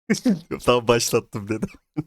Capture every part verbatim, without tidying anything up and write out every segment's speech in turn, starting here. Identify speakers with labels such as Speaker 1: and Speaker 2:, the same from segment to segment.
Speaker 1: Tamam başlattım dedim.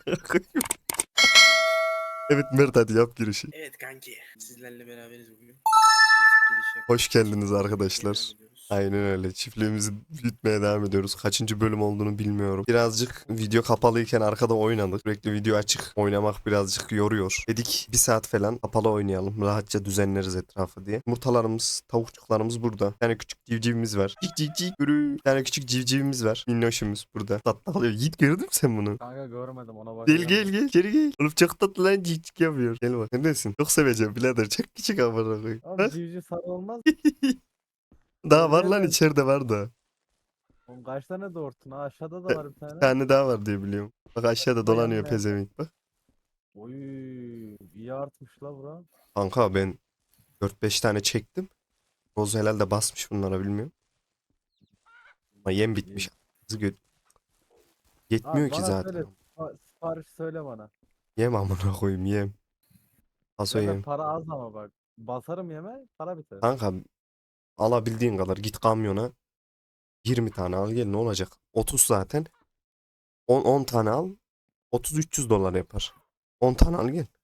Speaker 1: Evet Mert hadi yap girişi.
Speaker 2: Evet kanki. Sizlerle beraberiz bugün. Klasik giriş
Speaker 1: Hoş
Speaker 2: yaptık.
Speaker 1: geldiniz
Speaker 2: Çiftliğimizi büyütmeye devam
Speaker 1: arkadaşlar.
Speaker 2: ediyoruz.
Speaker 1: Aynen öyle. Çiftliğimizi büyütmeye devam ediyoruz. Kaçıncı bölüm olduğunu bilmiyorum. Birazcık video kapalıyken arkada oynadık. Sürekli video açık oynamak birazcık yoruyor. Dedik bir saat falan kapalı oynayalım. Rahatça düzenleriz etrafı diye. Yumurtalarımız, tavukçuklarımız burada. Bir tane küçük civcivimiz var. Cik cik cik yürü. Bir tane küçük civcivimiz var. Minnoşumuz burada. Tatlı alıyor. Yiğit gördün mü sen bunu?
Speaker 3: Kanka görmedim, ona
Speaker 1: Gel
Speaker 3: bakacağım
Speaker 1: gel
Speaker 3: da.
Speaker 1: gel. İçeri gel. Oğlum çok tatlı lan cik cik yapıyor. Gel bak. Neredesin? Çok seveceğim birader. Çok küçük amına koyayım.
Speaker 3: Oğlum
Speaker 1: Bak.
Speaker 3: civciv sarı olmaz.
Speaker 1: Daha var
Speaker 3: Görüyor
Speaker 1: lan
Speaker 3: ben.
Speaker 1: içeride var da.
Speaker 3: Oğlum kaç tane doğurttun ha? Aşağıda da
Speaker 1: Bir
Speaker 3: var bir tane.
Speaker 1: tane daha var diye biliyorum. Bak aşağıda
Speaker 3: Da
Speaker 1: dolanıyor
Speaker 3: yanına yakın.
Speaker 1: pezevenk bak.
Speaker 3: Oy, iyi artmış la bura.
Speaker 1: Kanka ben dört beş tane çektim. Roz herhalde basmış bunlara bilmiyorum. Ama yem
Speaker 3: İyi.
Speaker 1: bitmiş. Kızı gö- Yetmiyor
Speaker 3: Abi
Speaker 1: ki
Speaker 3: bana söyle.
Speaker 1: zaten.
Speaker 3: sipa- Sipariş söyle bana.
Speaker 1: Yem amına koyayım yem. Paso
Speaker 3: Zaten
Speaker 1: yem.
Speaker 3: para az ama bak. Basarım yeme, para biter.
Speaker 1: Kanka alabildiğin kadar git kamyona. yirmi tane al gel ne olacak? otuz zaten. on, on tane al. otuz üç yüz dolar yapar. on tane al gel.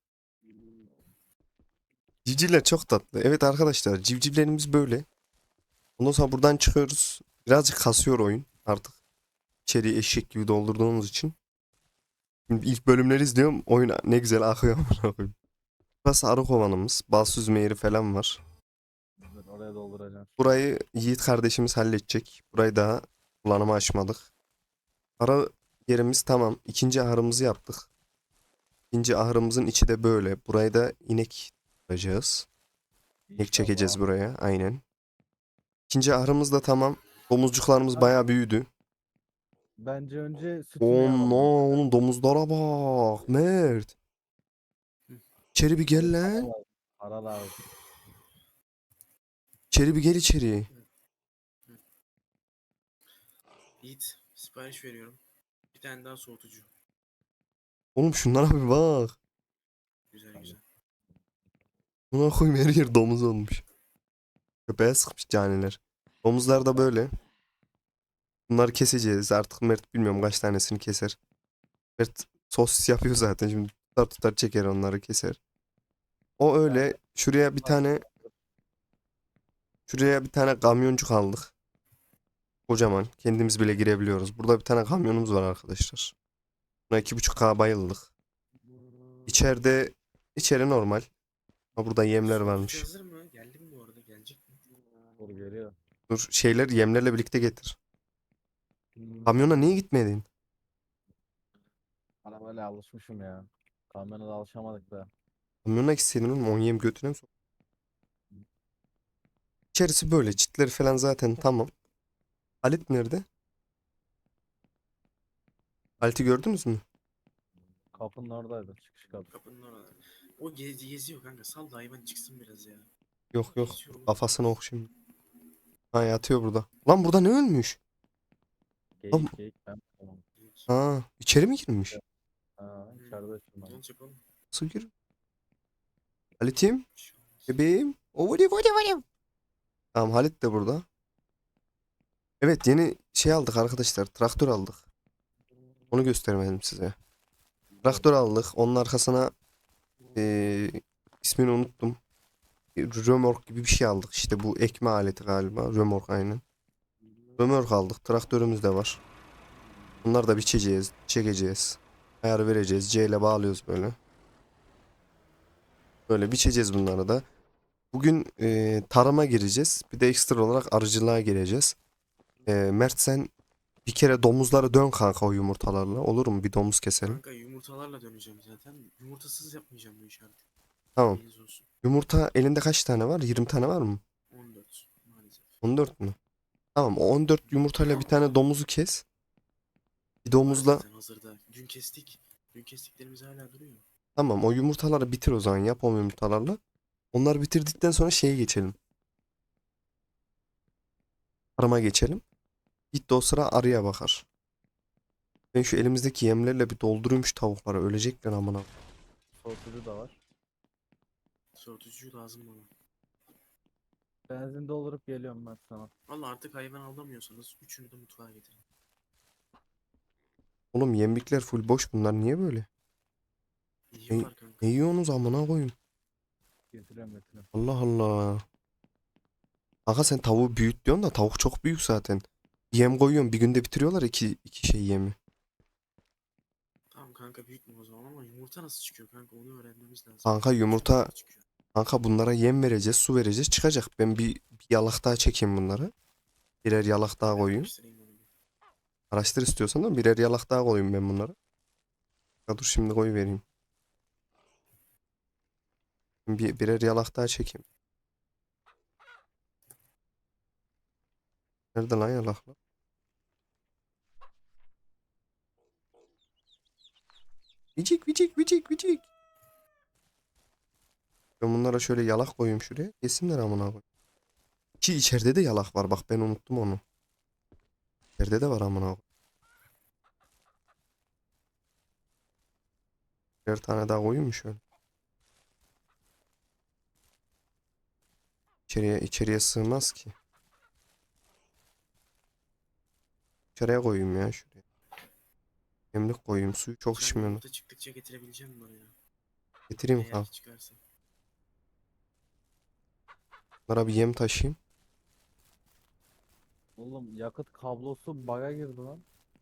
Speaker 1: Civcivler çok tatlı. Evet arkadaşlar civcivlerimiz böyle. Ondan sonra buradan çıkıyoruz. Birazcık kasıyor oyun artık. İçeriği eşek gibi doldurduğumuz için. Şimdi ilk bölümleri izliyorum. Oyun ne güzel akıyor amına koyayım. Burası arı kovanımız. Bal süzme yeri falan var.
Speaker 3: Dur, oraya dolduracağım şimdi.
Speaker 1: Burayı Yiğit kardeşimiz halledecek. Burayı daha kullanıma açmadık. Ara yerimiz tamam. İkinci ahırımızı yaptık. İkinci ahırımızın içi de böyle. Burayı da inek tutacağız. İnek çekeceğiz
Speaker 3: İnşallah.
Speaker 1: buraya. Aynen. İkinci ahırımız da tamam. Domuzcuklarımız
Speaker 3: Kanka,
Speaker 1: bayağı büyüdü.
Speaker 3: bence önce süt ineği
Speaker 1: Oğlum no,
Speaker 3: alalım.
Speaker 1: oğlum domuzlara bak. Mert. İçeri bir
Speaker 3: Tabii
Speaker 1: gel
Speaker 3: para
Speaker 1: lan.
Speaker 3: lazım. Para lazım.
Speaker 1: İçeri bir gel içeri.
Speaker 2: Yiğit, sipariş veriyorum. Bir tane daha soğutucu.
Speaker 1: Oğlum şunlara bir bak.
Speaker 2: Güzel güzel.
Speaker 1: Buna koyayım her yer domuz olmuş. Köpeğe sıkmış caniler. Domuzlar da böyle. Bunları keseceğiz. Artık Mert bilmiyorum kaç tanesini keser. Mert sosis yapıyor zaten. Şimdi tutar tutar çeker onları keser. O öyle.
Speaker 3: Kanka,
Speaker 1: Şuraya bir tane şuraya bir tane kamyoncuk aldık. Kocaman. Kendimiz bile girebiliyoruz. Burada bir tane kamyonumuz var arkadaşlar. Buna iki buçuk K bayıldık. İçeride içeri normal. Ha burada yemler
Speaker 2: Soğutucu
Speaker 1: varmış.
Speaker 2: hazır mı? Geldi mi bu arada? Gelecek mi?
Speaker 3: dur geliyor.
Speaker 1: Dur şeyler yemlerle birlikte getir.
Speaker 3: Hmm.
Speaker 1: Kamyona niye gitmedin?
Speaker 3: Bana böyle alışmışım ya. Kamyona da alışamadık da.
Speaker 1: Kamyona gitseydin oğlum on yem götüne mi sok? İçerisi böyle. Çitleri falan zaten tamam. Halit nerede? Halit'i gördünüz mü?
Speaker 3: Kapının oradaydı, çıkış kapı.
Speaker 2: Kapının orada. O gezi geziyor kanka. Sal da hayvan çıksın biraz ya.
Speaker 1: Yok yok.
Speaker 2: Geziyor oğlum.
Speaker 1: Kafasını ok şimdi. Ha yatıyor burada. Lan burada ne ölmüş? Lan,
Speaker 3: Geyik geyik ben. Tamam.
Speaker 2: Geyik.
Speaker 1: ha içeri mi girmiş?
Speaker 3: Ha,
Speaker 2: Hmm.
Speaker 3: içeride şimdi.
Speaker 2: Ne olacak oğlum?
Speaker 1: Nasıl gir? Halit'im.
Speaker 2: Bir şey olmaz.
Speaker 1: Bebeğim. O vadi vadi vadi. Tamam Halit de burada. Evet yeni şey aldık arkadaşlar. Traktör aldık. Onu göstermedim size. Traktör aldık. Onun arkasına eee, ismini unuttum. Römork gibi bir şey aldık. İşte bu ekme aleti galiba. Römork aynen. Römork aldık. Traktörümüz de var. Bunları da biçeceğiz. Çekeceğiz. Ayar vereceğiz. C ile bağlıyoruz böyle. Böyle biçeceğiz bunları da. Bugün eee, tarıma gireceğiz. Bir de ekstra olarak arıcılığa gireceğiz. Eee, Mert sen bir kere domuzları dön kanka o yumurtalarla. Olur mu? Bir domuz keselim.
Speaker 2: Kanka yumurtalarla döneceğim zaten. Yumurtasız yapmayacağım bu işi artık.
Speaker 1: Tamam.
Speaker 2: Bilginiz olsun.
Speaker 1: Yumurta elinde kaç tane var? yirmi tane var mı?
Speaker 2: on dört maalesef.
Speaker 1: on dört mü? Tamam o on dört yumurtayla bir tane domuzu kes. Bir
Speaker 2: Var
Speaker 1: domuzla
Speaker 2: zaten hazırda. Dün kestik. Dün kestiklerimiz hala duruyor.
Speaker 1: tamam o yumurtaları bitir o zaman yap o yumurtalarla. Onları bitirdikten sonra şeye geçelim. Arıma geçelim. Git de o sıra arıya bakar. Ben şu elimizdeki yemlerle bir doldurayım şu tavukları. Ölecekler amına.
Speaker 3: Soğutucu da var.
Speaker 2: Soğutucu lazım bana.
Speaker 3: Benzin doldurup geliyorum ben sana.
Speaker 2: Valla artık hayvan alamıyorsanız üçünü de mutfağa getirin.
Speaker 1: Oğlum yemlikler full boş, bunlar niye böyle?
Speaker 2: Yiyorlar kanka.
Speaker 1: Ne yiyorsunuz amına koyayım?
Speaker 3: Getiriyorum getiriyorum.
Speaker 1: Allah Allah. Kanka sen tavuğu büyüt diyorsun da tavuk çok büyük zaten. Yem koyuyorsun, bir günde bitiriyorlar iki, iki şey yemi.
Speaker 2: Tamam kanka büyük mü o zaman ama yumurta nasıl çıkıyor kanka onu öğrenmemiz lazım.
Speaker 1: Kanka yumurta,
Speaker 2: Nasıl çıkıyor?
Speaker 1: kanka bunlara yem vereceğiz, su vereceğiz, çıkacak. Ben bir, bir yalak daha çekeyim bunları. Birer yalak daha
Speaker 2: Ben
Speaker 1: koyayım.
Speaker 2: araştırayım onu bir.
Speaker 1: Araştır istiyorsan da birer yalak daha koyayım ben bunları. Ya dur şimdi koy vereyim. Bir, birer yalak daha çekeyim. Nerede lan yalaklar? Vicik vicik vicik vicik. Ben bunlara şöyle yalak koyayım şuraya. Yesinler amına koyayım. Ki içeride de yalak var, bak ben unuttum onu. İçeride de var amına koyayım. Bir tane daha koyayım mı şöyle? İçeriye, içeriye sığmaz ki. İçeriye koyayım ya şuraya. Yemlik koyayım, suyu çok
Speaker 2: Sen
Speaker 1: içmiyorum.
Speaker 2: yumurta çıktıkça getirebileceğim bunları ya.
Speaker 1: Getireyim
Speaker 2: Eğer
Speaker 1: kanka.
Speaker 2: ki çıkarsa.
Speaker 1: Bunlara bir yem taşıyayım.
Speaker 3: Oğlum yakıt kablosu bug'a girdi lan.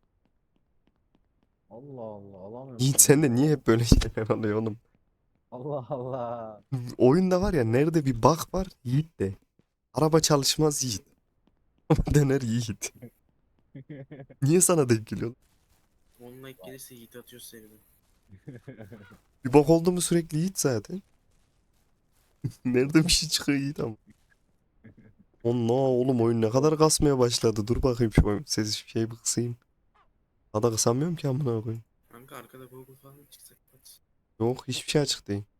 Speaker 3: Allah Allah alamıyorum
Speaker 1: Yiğit
Speaker 3: şu an.
Speaker 1: sen de niye hep böyle şeyler oluyor oğlum?
Speaker 3: Allah Allah.
Speaker 1: Oyunda var ya, nerede bir bug var Yiğit de. Araba çalışmaz Yiğit. Ama döner Yiğit. Niye sana denk geliyor?
Speaker 2: on like gelirse yiğit atıyoruz seriden.
Speaker 1: Bir bug oldu mu sürekli Yiğit zaten. Nerede bir şey çıkıyor Yiğit ama. Allah oğlum, oyun ne kadar kasmaya başladı. Dur bakayım şu oyun. Ses şey bir kısayım. Daha da kısamıyorum ki amına koyayım.
Speaker 2: Kanka arkada Google falan çıksa kapat.
Speaker 1: Yok, hiçbir şey açık değil.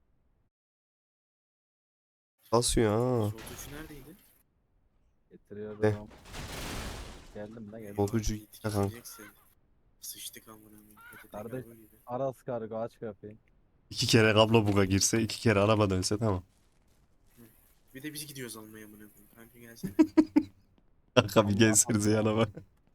Speaker 1: Kasıyor ha.
Speaker 2: Soğutucu neredeydi?
Speaker 1: Ne?
Speaker 3: Getiriyorum. Geldim de geldim.
Speaker 1: Soğutucu
Speaker 2: Yiğit
Speaker 1: ya kanka.
Speaker 2: getirecekse. Sıçtık amına koyayım. P T T
Speaker 3: Kardeş
Speaker 2: kargo gibi.
Speaker 3: Aras kargo aç kapıyı.
Speaker 1: İki kere kablo buga girse, iki kere araba dönse tamam.
Speaker 2: Bir de biz gidiyoruz almaya amına koyayım. Kanka gelsene.
Speaker 1: Kanka bir
Speaker 3: Allah
Speaker 1: gelsenize
Speaker 3: Allah.
Speaker 1: yanıma.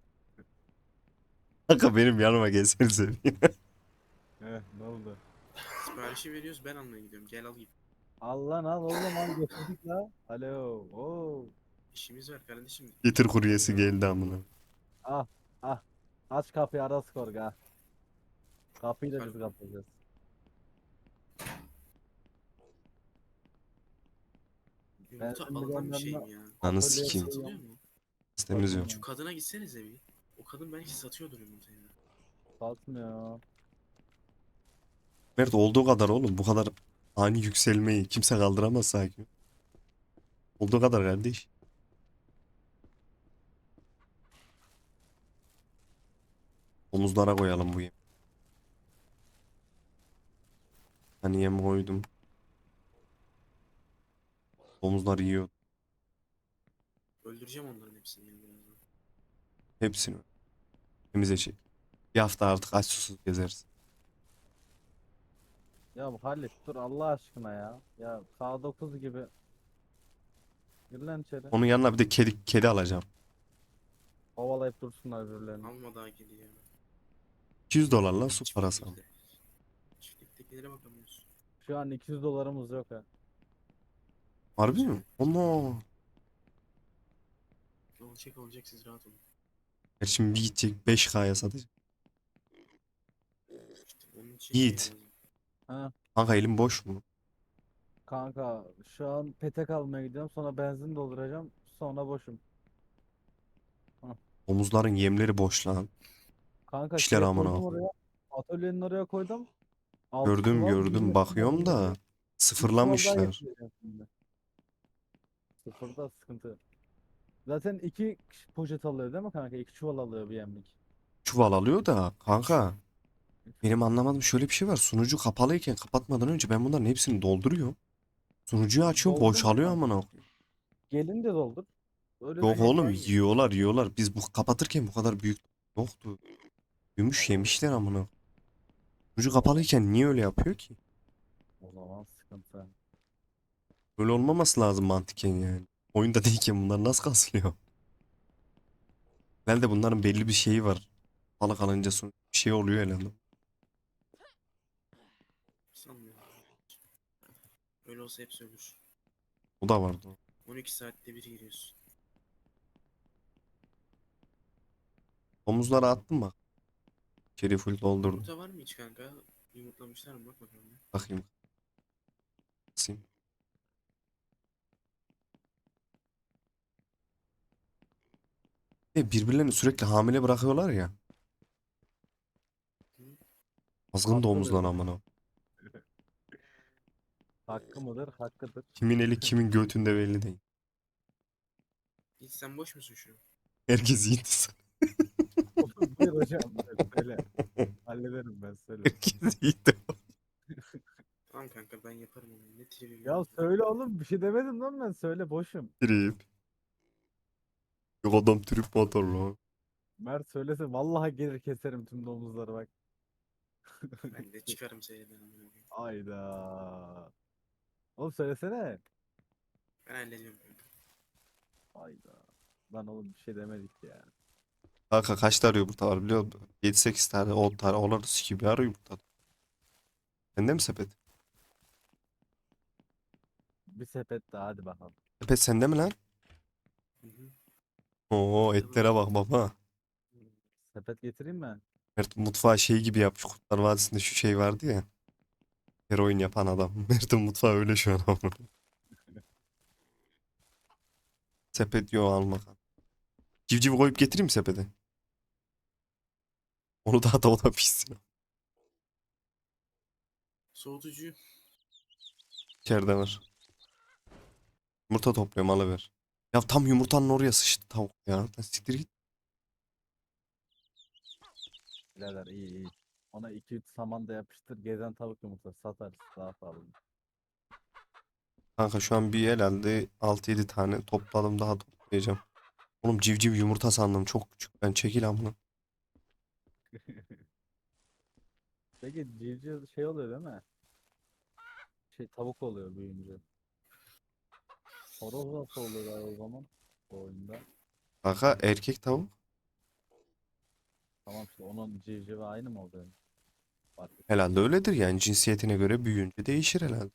Speaker 1: Kanka benim yanıma gelsenize.
Speaker 3: Eh ne oldu?
Speaker 2: Siparişi veriyoruz ben almaya gidiyorum. Gel al git.
Speaker 3: Al lan al oğlum al getirdik la. Alo. Oo.
Speaker 2: İşimiz var kardeşim.
Speaker 1: Getir kuryesi geldi amına.
Speaker 3: Ah ah. Aç kapıyı Aras kargo ah. Kapıyı da biz
Speaker 2: Pardon.
Speaker 3: kapatacağız. Ben
Speaker 2: Yumurta
Speaker 3: şimdi
Speaker 2: alınan bir şey
Speaker 3: gönderme
Speaker 2: mi ya?
Speaker 1: Anı
Speaker 3: atölyeye
Speaker 1: sikeyim.
Speaker 2: Satılıyor
Speaker 3: koyuyorum.
Speaker 2: mu?
Speaker 1: İstemiz yok.
Speaker 3: Bakın
Speaker 2: Şu
Speaker 3: ya.
Speaker 2: kadına gitsenize bir. O kadın belki satıyordur yumurtayı.
Speaker 3: Satmıyor.
Speaker 1: Mert olduğu kadar oğlum, bu kadar ani yükselmeyi kimse kaldıramaz sanki. Olduğu kadar kardeş. Omuzlara koyalım bu yem. Hani yem koydum. Omuzlar yiyor.
Speaker 2: Öldüreceğim onların hepsini ya birazdan.
Speaker 1: Hepsini. Temize şey. Bir hafta artık aç susuz gezeriz.
Speaker 3: Ya bu Halit dur Allah aşkına ya. Ya K dokuz gibi. Gir lan içeri.
Speaker 1: Onun yanına bir de kedi, kedi alacağım.
Speaker 3: Kovalayıp dursunlar birbirlerini.
Speaker 2: Alma daha kedi ya.
Speaker 1: iki yüz dolar lan su parası.
Speaker 2: Çiftlikte. Çiftliktekilere bakamıyoruz.
Speaker 3: Şu an iki yüz dolarımız yok ha.
Speaker 1: Harbi mi? Ama.
Speaker 2: Olacak olacak siz rahat olun.
Speaker 1: Şimdi bir gidecek beş K'ya satacak.
Speaker 2: İşte onun için şey
Speaker 1: Yiğit.
Speaker 2: lazım.
Speaker 3: Ha
Speaker 1: Kanka elim boş mu?
Speaker 3: kanka şu an petek almaya gidiyorum sonra benzin dolduracağım sonra boşum.
Speaker 1: Omuzların yemleri boş lan.
Speaker 3: Kanka
Speaker 1: İşler
Speaker 3: şeye
Speaker 1: amına
Speaker 3: koydum
Speaker 1: koyayım.
Speaker 3: oraya. Atölyenin oraya koydum. altı
Speaker 1: Gördüm
Speaker 3: çuval
Speaker 1: gördüm
Speaker 3: yirmi çuval
Speaker 1: bakıyorum da
Speaker 3: geliyor. üç çuval daha
Speaker 1: sıfırlamışlar.
Speaker 3: getireceğim şimdi. Sıfırda sıkıntı. Zaten iki poşet alıyor değil mi kanka? İki çuval alıyor bir yemlik.
Speaker 1: Çuval alıyor da kanka.
Speaker 3: Üç.
Speaker 1: Benim anlamadığım şöyle bir şey var. Sunucu kapalıyken kapatmadan önce ben bunların hepsini dolduruyorum. Sunucuyu açıyorum
Speaker 3: Doldur
Speaker 1: boşalıyor
Speaker 3: mu?
Speaker 1: amına koyayım.
Speaker 3: Gelince doldur. Öyle
Speaker 1: Yok
Speaker 3: düşün.
Speaker 1: oğlum,
Speaker 2: Ben-
Speaker 1: yiyorlar yiyorlar. Biz bu kapatırken bu kadar büyük yoktu. Gümüş yemişler amına koyayım. Sunucu kapalıyken niye öyle yapıyor ki?
Speaker 3: O zaman sıkıntı.
Speaker 1: Böyle olmaması lazım mantıken yani. Oyunda değilken bunlar nasıl kasılıyor? Herhalde bunların belli bir şeyi var. Balık alınca sunucu bir şey oluyor herhalde.
Speaker 2: Sanmıyorum. Öyle olsa hepsi ölür.
Speaker 1: O da vardı.
Speaker 2: on iki saatte bir giriyorsun.
Speaker 1: Omuzlara attım bak. İçeri full doldurdum.
Speaker 2: Yumurta var mı hiç kanka? Yumurtlamışlar mı? Bak bakalım. bir.
Speaker 1: Bakayım. Basayım. E, birbirlerini sürekli hamile bırakıyorlar ya.
Speaker 2: Hı?
Speaker 1: Azgın domuzlar
Speaker 3: Haklıdır.
Speaker 1: amına.
Speaker 3: Hakkı mıdır? Hakkıdır.
Speaker 1: Kimin eli kimin götünde belli değil.
Speaker 2: Hiç sen boş musun şu an?
Speaker 1: Herkes yiğit insan.
Speaker 3: Buyur hocam. Evet, söyle. Hallederim ben, söyle.
Speaker 1: Herkes yiğit.
Speaker 2: Tamam kanka ben yaparım onu. Ne tribi
Speaker 3: Ya
Speaker 2: ya.
Speaker 3: söyle oğlum, bir şey demedim lan ben, söyle boşum.
Speaker 1: Trip. Yok adam trip motorlu.
Speaker 3: Mert söylese vallahi gelir keserim tüm domuzları bak.
Speaker 2: Ben de çıkarım seyreden amına koyayım.
Speaker 3: Ayda. Oğlum söylesene.
Speaker 2: Ben hallediyorum kanka.
Speaker 3: Ayda. Lan oğlum bir şey demedik ya.
Speaker 1: Kanka kaç tane yumurta var biliyor musun? yedi sekiz tane on tane. Onları sikiyor bir ara yumurta. Sende mi sepet?
Speaker 3: Bir sepet daha, hadi bakalım.
Speaker 1: Sepet sende mi lan?
Speaker 2: Hı hı.
Speaker 1: Oo
Speaker 2: Bende
Speaker 1: etlere
Speaker 2: var.
Speaker 1: bak baba.
Speaker 3: Sepet getireyim mi?
Speaker 1: Mert mutfağı şey gibi yapmış. Kurtlar Vadisi'nde şu şey vardı ya. Heroin yapan adam. Mert'in mutfağı öyle şu an ama. Sepet yok alma. Civciv koyup getireyim mi sepete? Onu daha da o da pişsin.
Speaker 2: Soğutucu.
Speaker 1: İçeride var. Yumurta topluyorum alıver. Ya tam yumurtanın oraya sıçtı tavuk ya. Lan siktir git.
Speaker 3: Birader iyi iyi. Ona iki üç saman da yapıştır. Gezen tavuk yumurtası satarız. Daha pahalı.
Speaker 1: Kanka şu an bir herhalde altı yedi tane topladım daha toplayacağım. Oğlum civciv yumurta sandım çok küçük. Ben çekil amına.
Speaker 3: Peki civciv şey oluyor değil mi? Şey tavuk oluyor büyüyünce. Horoz nasıl oluyor o zaman? O oyunda.
Speaker 1: Kanka erkek tavuk.
Speaker 3: Tamam işte onun civcivi aynı mı oluyor? Fark et.
Speaker 1: Herhalde öyledir yani cinsiyetine göre büyüyünce değişir herhalde.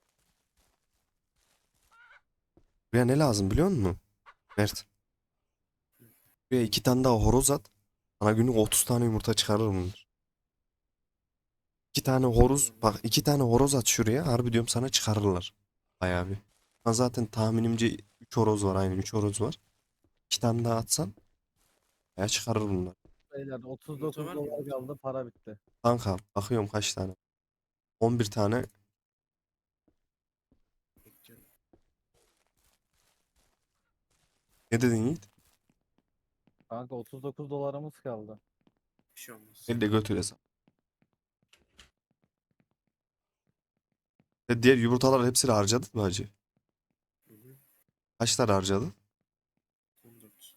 Speaker 1: Buraya ne lazım biliyor musun? Mert. Buraya iki tane daha horoz at. Sana günlük otuz tane yumurta çıkarır bunlar. İki tane horoz
Speaker 2: Atıyorum.
Speaker 1: bak iki tane horoz at şuraya. Harbi diyorum sana çıkarırlar. Bayağı bir. Ben zaten tahminimce üç horoz var aynen üç horoz var. İki tane daha atsan bayağı çıkarır bunlar.
Speaker 3: Beyler
Speaker 2: Yumurta
Speaker 3: otuz dokuz
Speaker 2: var mı
Speaker 3: dolar
Speaker 2: yumurta?
Speaker 3: kaldı, para bitti.
Speaker 1: Kanka bakıyorum kaç tane. on bir tane.
Speaker 2: Bekliyorum.
Speaker 1: Ne dedin Yiğit?
Speaker 3: Kanka otuz dokuz dolarımız kaldı.
Speaker 2: Bir şey olmaz.
Speaker 1: Elle götür hesap. E diğer yumurtalar hepsini harcadın mı hacı?
Speaker 2: Hı hı.
Speaker 1: Kaç tane harcadın?
Speaker 2: on dört.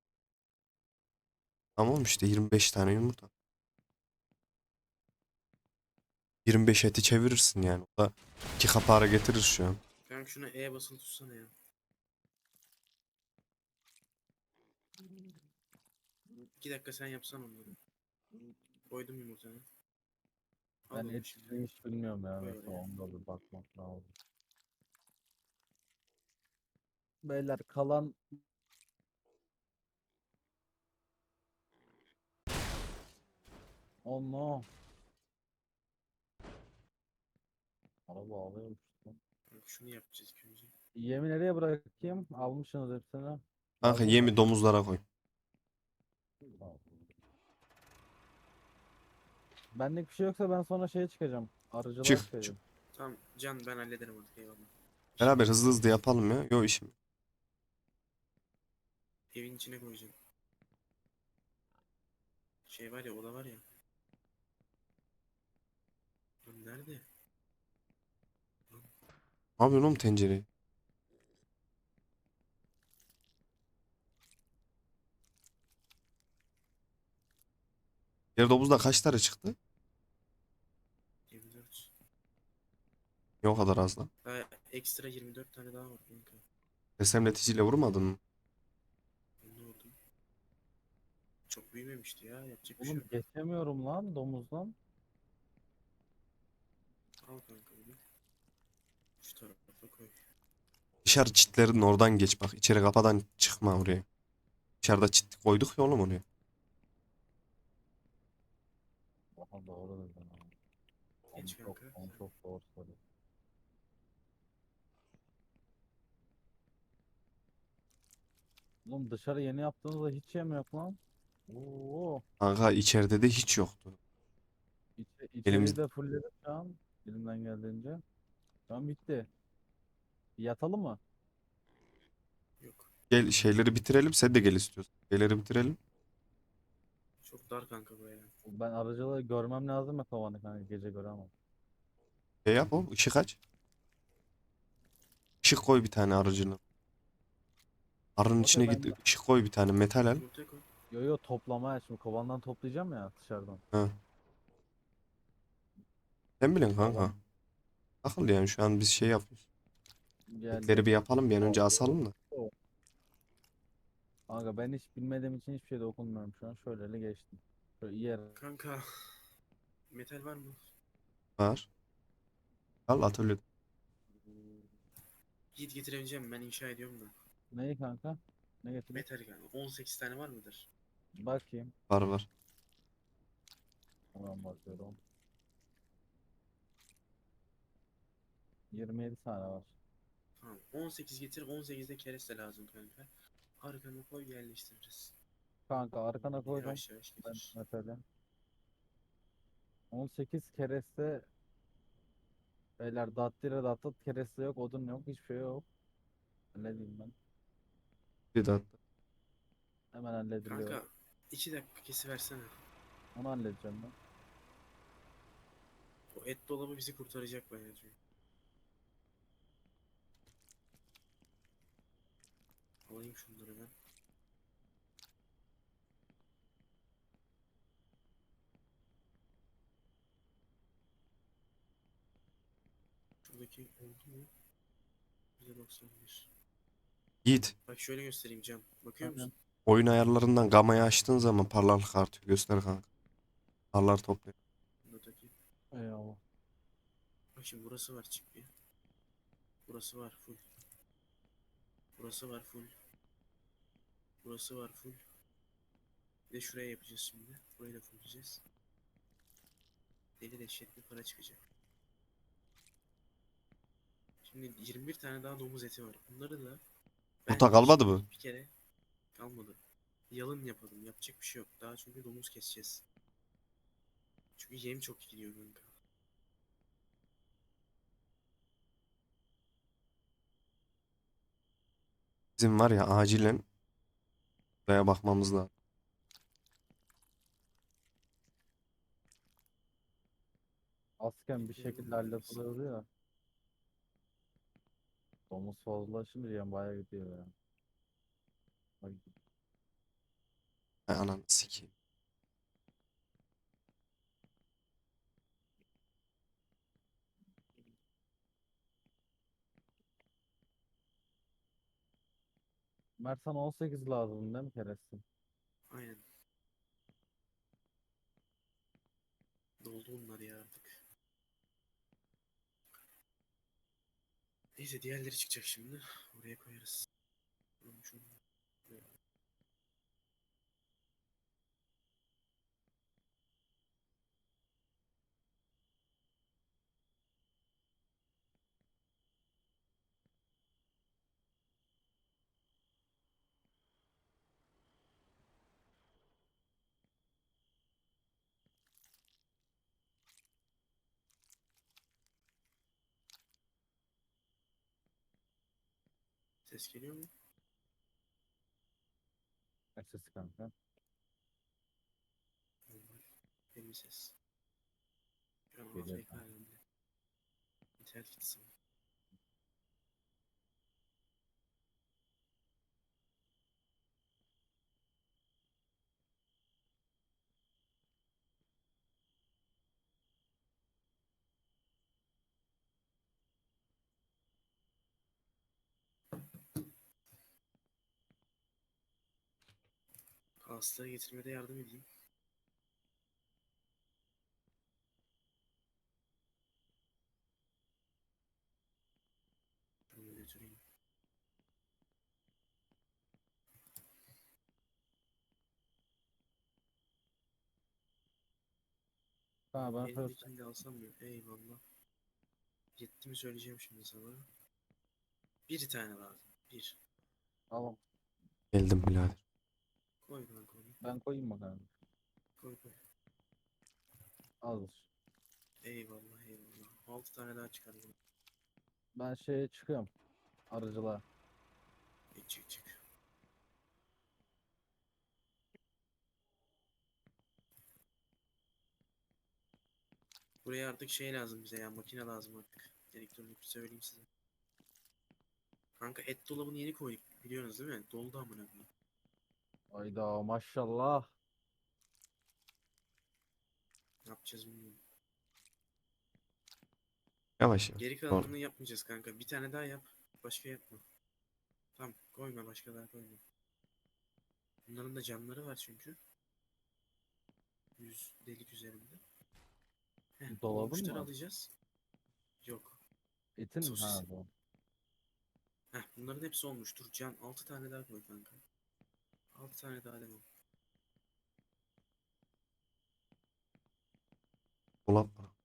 Speaker 1: Tamam işte yirmi beş tane yumurta. yirmi beş eti çevirirsin yani. O da iki kapara getirir şu an.
Speaker 2: Kanka şuna E basılı tutsana ya. İki dakika sen yapsan onları. Koydum yumurtanı. Al
Speaker 3: Ben
Speaker 2: onu
Speaker 3: et
Speaker 2: şimdi.
Speaker 3: hiç bilmiyorum ya,
Speaker 2: Koy
Speaker 3: mesela
Speaker 2: oraya.
Speaker 3: onda bir bakmak lazım. Beyler kalan oh no. Araba ağlıyormuş lan.
Speaker 2: Kanka şunu yapacağız ilk önce.
Speaker 3: Yemi nereye bırakayım? Almışsınız hepsini.
Speaker 1: Kanka
Speaker 3: Lazım mı?
Speaker 1: yemi domuzlara koy.
Speaker 3: Tamam. Benlik bir şey yoksa ben sonra şeye çıkacağım. Arıcılığa
Speaker 1: Çık. çık.
Speaker 3: çıkacağım.
Speaker 2: Tamam Can ben hallederim artık eyvallah.
Speaker 1: Beraber hızlı hızlı yapalım ya. Yo işim.
Speaker 2: Evin içine koyacağım. Şey var ya oda var ya. Lan nerede?
Speaker 1: Ne yapıyorsun oğlum tencereyi? Diğer domuzda kaç tane çıktı?
Speaker 2: yirmi dört.
Speaker 1: Yok o kadar az lan.
Speaker 2: Daha ekstra yirmi dört tane daha var kanka.
Speaker 1: Ressamleticiyle vurmadın mı?
Speaker 2: Ne oldu? Çok büyümemişti ya. Yapacak bir şey
Speaker 3: Oğlum
Speaker 2: yok.
Speaker 3: geçemiyorum lan domuzdan.
Speaker 2: Al kanka bunu. Şu tarafa koy.
Speaker 1: Dışarı çitlerin oradan geç bak. İçeri kapıdan çıkma oraya. Dışarıda çit koyduk ya oğlum oraya.
Speaker 3: Aha doğru dedin abi. Oğlum
Speaker 2: Geç
Speaker 3: çok,
Speaker 2: kanka.
Speaker 3: oğlum
Speaker 2: Sen.
Speaker 3: çok doğru söylüyorsun. Oğlum dışarı yeni yaptığınızda hiç yem yok lan. Oo,
Speaker 1: Kanka içeride de hiç yoktu.
Speaker 3: içe,
Speaker 1: Elimiz
Speaker 3: içeriği de fullledim şu an. Elimden geldiğince. Şu an bitti. Yatalım mı?
Speaker 2: Yok.
Speaker 1: gel şeyleri bitirelim. Sen de gel istiyorsan. Şeyleri bitirelim.
Speaker 2: Çok dar kanka bu ya.
Speaker 3: Ben aracılığı görmem lazım ya kovanı kanka gece göremem.
Speaker 1: Şey yap oğlum. Işık aç. Işık koy bir tane aracına. Arının içine
Speaker 3: Okey
Speaker 1: git.
Speaker 3: ben
Speaker 1: Işık koy bir tane. Metal al.
Speaker 2: Yumurtaya koy.
Speaker 3: yo yo toplamaya şimdi kovandan toplayacağım ya dışarıdan.
Speaker 1: Ha. Sen bilin kanka.
Speaker 3: Kovan
Speaker 1: Akıl yani şu an biz şey yapıyoruz. Etleri
Speaker 3: geldim.
Speaker 1: bir yapalım. Bir an önce
Speaker 3: Oo,
Speaker 1: asalım da.
Speaker 3: oo. Kanka ben hiç bilmediğim için hiçbir şey dokunmuyorum şu an. Şöyle geçtim. Şöyle iyi yer.
Speaker 2: Kanka. Metal var mı?
Speaker 1: Var. Al atölye.
Speaker 2: Git getirebileceğim, ben inşa ediyorum da.
Speaker 3: Neyi kanka? Ne getireyim?
Speaker 2: Metal kanka. on sekiz tane var mıdır?
Speaker 3: Bakayım.
Speaker 1: Var var.
Speaker 3: Hemen bakıyorum. yirmi yedi tane var.
Speaker 2: Tamam. on sekiz getir. on sekizde kereste lazım kanka. Arkana koy, yerleştiririz.
Speaker 3: Kanka arkana koydum.
Speaker 2: Yavaş yavaş
Speaker 3: Ben
Speaker 2: getir.
Speaker 3: mesela on sekiz kereste beyler dattire dattat kereste yok, odun yok, hiçbir şey yok. Ne diyeyim ben?
Speaker 1: Bir de
Speaker 3: Hemen hallediliyor.
Speaker 2: Kanka iki dakika kesiversene.
Speaker 3: Onu halledeceğim ben.
Speaker 2: O et dolabı bizi kurtaracak bayağı çünkü. Alayım şunları ben. Şuradaki oldu mu? yüzde doksan bir.
Speaker 1: Yiğit.
Speaker 2: Bak şöyle göstereyim Can. Bakıyor
Speaker 3: Aynen.
Speaker 2: musun?
Speaker 1: Oyun ayarlarından gamayı açtığın zaman parlaklık artıyor. Göster kanka. Parlar topluyor.
Speaker 2: Buradaki.
Speaker 3: Eyvallah.
Speaker 2: Bak şimdi burası var, çık bir. Burası var full. Burası var full. Burası var full. Bir de şuraya yapacağız şimdi. Burayı da fullleyeceğiz. Deli dehşet bir para çıkacak. Şimdi yirmi bir tane daha domuz eti var. Bunları da
Speaker 1: Yumurta
Speaker 2: bence
Speaker 1: kalmadı mı?
Speaker 2: şimdilik bir kere kalmadı. Yalın yapalım. Yapacak bir şey yok. Daha çünkü domuz keseceğiz. Çünkü yem çok gidiyor kanka.
Speaker 1: Bizim var ya acilen buraya bakmamız lazım.
Speaker 3: Asken bir
Speaker 2: Etleri
Speaker 3: şekilde
Speaker 2: bulabilir miyiz?
Speaker 3: hallediyordu ya. Domuz fazlalaşınca yani bayağı gidiyor ya. Bak,
Speaker 1: Hay ananı sikeyim.
Speaker 3: Mert sana on sekiz lazım değil mi kereste?
Speaker 2: Aynen. Doldu bunlar ya artık. Neyse diğerleri çıkacak şimdi. Oraya koyarız. Şunu- şunu- Ses geliyor mu?
Speaker 3: Sesi kanka.
Speaker 2: Normal. Benim ses. Şu an
Speaker 3: Geliyor
Speaker 2: A F K
Speaker 3: kanka.
Speaker 2: halinde. İnternet gitsin. Hastaya getirmede yardım edeyim. Şunu götüreyim.
Speaker 3: Ha ben first
Speaker 2: Elindekini de alsam mı? Eyvallah. Yetti mi söyleyeceğim şimdi sana. Bir tane lazım. Bir.
Speaker 3: tamam.
Speaker 1: Geldim birader.
Speaker 2: Koy kanka onu.
Speaker 3: Ben koyayım mı kanka?
Speaker 2: Koy koy.
Speaker 3: Hazır.
Speaker 2: Eyvallah eyvallah. Altı tane daha çıkar bunu.
Speaker 3: Ben şeye çıkıyorum. Arıcılığa.
Speaker 2: E, çık çık. Buraya artık şey lazım bize ya. Makine lazım artık. Elektronik söyleyeyim size. Kanka et dolabını yeni koyduk. Biliyorsunuz değil mi? Doldu amına koyayım.
Speaker 3: Hayda maşallah.
Speaker 2: Ne yapacağız bilmiyorum.
Speaker 1: Yavaş yavaş.
Speaker 2: Geri
Speaker 1: Doğru.
Speaker 2: kalanını yapmayacağız kanka. Bir tane daha yap. Başka yapma. Tamam koyma başka daha koyma. Bunların da camları var çünkü. Yüz delik üzerinde. Heh,
Speaker 3: Dolabın
Speaker 2: olmuşları
Speaker 3: mı?
Speaker 2: alacağız. Yok.
Speaker 3: Etin mi? Ha
Speaker 2: Sosisin.
Speaker 3: bu.
Speaker 2: Heh, bunların hepsi olmuştur. Can altı tane daha koy kanka. Altı tane daha devam.
Speaker 1: Dolap var.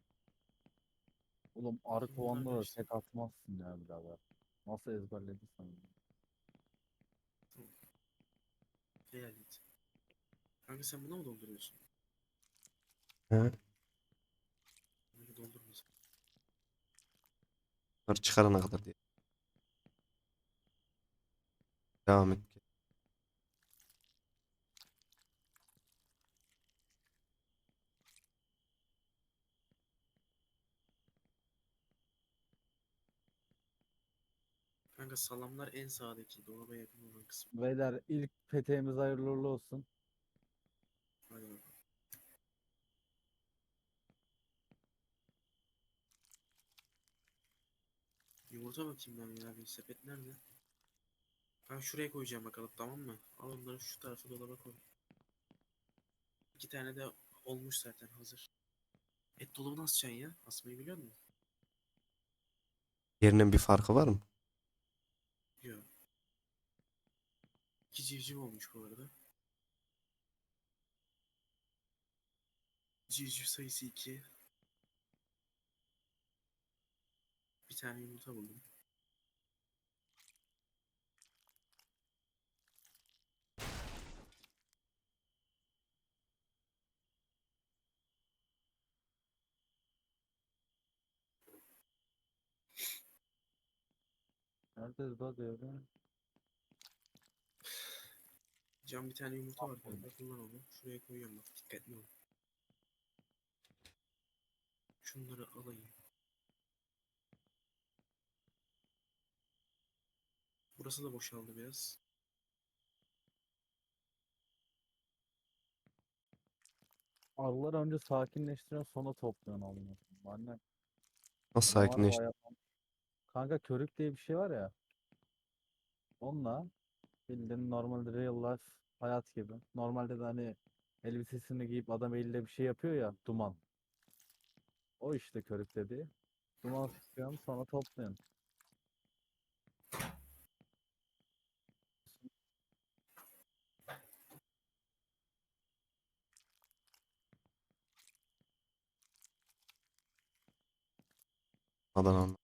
Speaker 3: Oğlum arı
Speaker 2: Şimdi bunlar
Speaker 3: kovanına da
Speaker 2: kaçtı?
Speaker 3: tek atmazsın ya birader. Nasıl ezberledin sen bunu?
Speaker 2: Tamam. Helal et. Kanka sen buna mı dolduruyorsun?
Speaker 1: He.
Speaker 2: Bunları doldurma sen.
Speaker 1: Bunları çıkarana kadar diye. Devam et.
Speaker 2: Kanka salamlar en sağdaki dolaba yakın olan kısım.
Speaker 3: Beyler ilk peteğimiz hayırlı uğurlu olsun.
Speaker 2: Hadi bakalım. Yumurta bakayım ben ya. Bir sepet nerede? Ben şuraya koyacağım bakalım tamam mı? Al onları şu tarafa dolaba koy. İki tane de olmuş zaten hazır. Et dolabı nasıl açacaksın ya? Asmayı biliyor musun?
Speaker 1: Yerinin bir farkı var mı?
Speaker 2: Yok. İki civciv olmuş bu arada. Civciv sayısı iki. Bir tane yumurta buldum.
Speaker 3: Nerede bu diyorum.
Speaker 2: Can bir tane yumurta var kanka. Kullan onu. Şuraya koyuyorum bak. Dikkatli ol. Şunları alayım. Burası da boşaldı biraz.
Speaker 3: Arıları önce sakinleştiriyorsun sonra topluyorsun onu. Anne
Speaker 1: Nasıl
Speaker 3: adamlar
Speaker 1: sakinleş?
Speaker 3: bayağı... Kanka körük diye bir şey var ya. Onunla bildiğin normalde real life hayat gibi. Normalde de hani elbisesini giyip adam eliyle bir şey yapıyor ya duman. O işte körük dediği. Duman sıkıyorsun sonra topluyorsun.
Speaker 1: Adana.